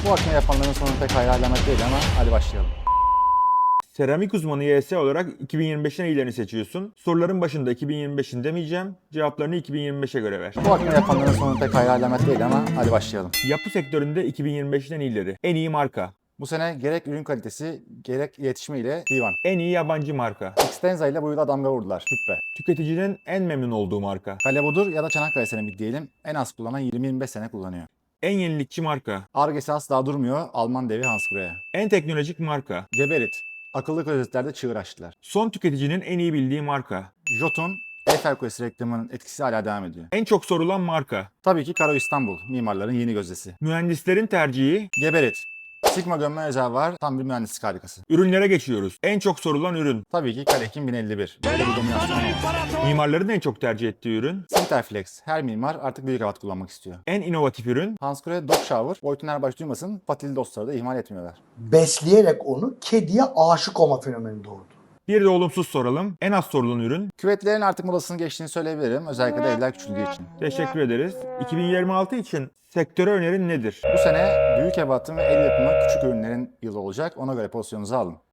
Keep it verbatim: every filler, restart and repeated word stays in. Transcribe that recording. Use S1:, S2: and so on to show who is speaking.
S1: Bu akme yapanların sonu pek hayra alamet değil ama hadi başlayalım.
S2: Seramik uzmanı Y S olarak iki bin yirmi beşin iyilerini seçiyorsun. Soruların başında iki bin yirmi beşin demeyeceğim. Cevaplarını iki bin yirmi beşe göre ver.
S1: Bu akme yapanların sonu pek hayra alamet değil ama hadi başlayalım.
S2: Yapı sektöründe iki bin yirmi beşin en iyileri. En iyi marka.
S1: Bu sene gerek ürün kalitesi gerek iletişimi ile Divan.
S2: En iyi yabancı marka.
S1: Xtenza ile bu yıla damga vurdular. Hüppe.
S2: Tüketicinin en memnun olduğu marka.
S1: Kalebudur ya da Çanakkale Seramik diyelim en az kullanan yirmi yirmi beş sene kullanıyor.
S2: En yenilikçi marka.
S1: Ar-Ge'si asla durmuyor Alman devi Hansgrohe.
S2: En teknolojik marka.
S1: Geberit. Akıllı klozetlerde çığır açtılar.
S2: Son tüketicinin en iyi bildiği marka.
S1: Jotun, Eiffel Kulesi reklamının etkisi hala devam ediyor.
S2: En çok sorulan marka.
S1: Tabii ki Karo İstanbul, mimarların yeni gözdesi.
S2: Mühendislerin tercihi.
S1: Geberit. Sigma gömme özel var, tam bir mühendislik harikası.
S2: Ürünlere geçiyoruz. En çok sorulan ürün.
S1: Tabii ki Kalekin bin elli bir. Böyle bir dominasyon olamaz.
S2: Mimarların en çok tercih ettiği ürün.
S1: Sinterflex. Her mimar artık büyük havat kullanmak istiyor.
S2: En inovatif ürün.
S1: Hansgrohe Dog Shower. Boyutun her baş duymasın, patili dostları da ihmal etmiyorlar.
S3: Besleyerek onu kediye aşık olma fenomeni doğurdu.
S2: Bir de olumsuz soralım. En az sorulan ürün.
S1: Küvetlerin artık modasını geçtiğini söyleyebilirim. Özellikle de evler küçüldüğü için.
S2: Teşekkür ederiz. iki bin yirmi altı için sektöre önerin nedir?
S1: Bu sene büyük ebatın ve el yapımı küçük ürünlerin yılı olacak. Ona göre pozisyonunuzu alın.